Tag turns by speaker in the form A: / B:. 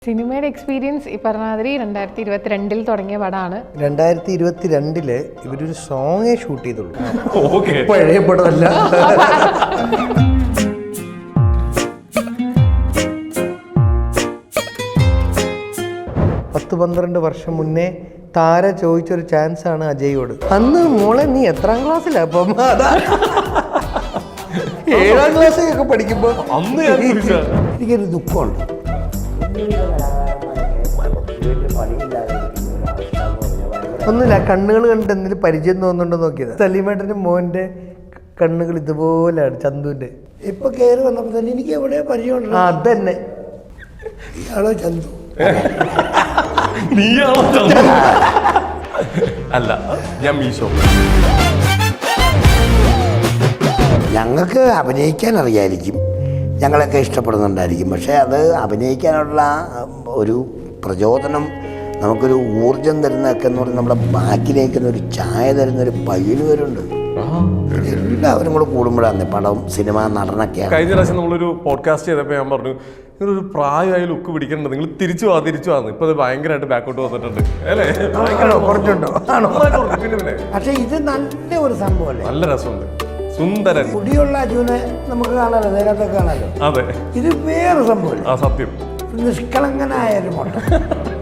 A: സിനിമയുടെ എക്സ്പീരിയൻസ് ഈ പറഞ്ഞ മാതിരി 2022 തുടങ്ങിയ പടമാണ്.
B: 2022 ഇവരൊരു സോങ്ങേ ഷൂട്ട് ചെയ്തുള്ളൂ. പഴയ പടമല്ല. 10-12 വർഷം മുന്നേ താര ചോദിച്ചൊരു ചാൻസ് ആണ് അജയോട്. അന്ന് മോളെ നീ എത്രാം ക്ലാസ്സിലാ? അപ്പം അതാ 7ാം ക്ലാസ്സിലൊക്കെ പഠിക്കുമ്പോൾ എനിക്കൊരു ദുഃഖമുണ്ട്. ഒന്നുമില്ല, കണ്ണുകൾ കണ്ടിട്ട് എന്തെങ്കിലും പരിചയം തോന്നുന്നുണ്ടോ നോക്കിയത്. സലീമേട്ടൻ്റെ മോൻ്റെ കണ്ണുകൾ ഇതുപോലെയാണ്, ചന്തുവിൻ്റെ.
C: ഇപ്പൊ കയറി വന്നപ്പോ തന്നെ എനിക്ക് എവിടെ പരിചയമുണ്ട്.
B: അതന്നെ,
C: ഇയാളോ ചന്തു?
D: അല്ല, ഞാൻ മീശോ.
C: ഞങ്ങൾക്ക് അഭിനയിക്കാൻ അറിയായിരിക്കും, ഞങ്ങളൊക്കെ ഇഷ്ടപ്പെടുന്നുണ്ടായിരിക്കും. പക്ഷേ അത് അഭിനയിക്കാനുള്ള ഒരു പ്രചോദനം, നമുക്കൊരു ഊർജം തരുന്നതൊക്കെ എന്ന് പറഞ്ഞാൽ നമ്മുടെ ബാക്കിലേക്കുന്ന ഒരു ചായ തരുന്നൊരു പയ്യന് വരുന്നുണ്ട്. എല്ലാവരും കൂടെ കൂടുമ്പോഴാണ് പടം, സിനിമ, നടനൊക്കെയാണ്.
D: കഴിഞ്ഞ പ്രാവശ്യം നമ്മളൊരു പോഡ്കാസ്റ്റ് ചെയ്തപ്പോൾ ഞാൻ പറഞ്ഞു, നിങ്ങളൊരു പ്രായമായി ലുക്ക് പിടിക്കേണ്ടത്, നിങ്ങൾ തിരിച്ചു വാന്ന്. ഇപ്പൊ അത് ഭയങ്കരമായിട്ട് ബാക്കോട്ട് വന്നിട്ടുണ്ട് അല്ലേ?
B: കുറച്ചുണ്ടോ?
C: പക്ഷെ ഇത് നല്ല ഒരു സംഭവമല്ലേ,
D: നല്ല രസമുണ്ട്, സുന്ദരൻ.
C: കുടിയുള്ള അജുനെ നമുക്ക് കാണാലോ, നേരത്തൊക്കെ കാണാലോ.
D: അതെ,
C: ഇത് വേറെ സംഭവം.
D: ആ സത്യം,
C: നിഷ്കളങ്കനായ ഒരു മോട്ടം.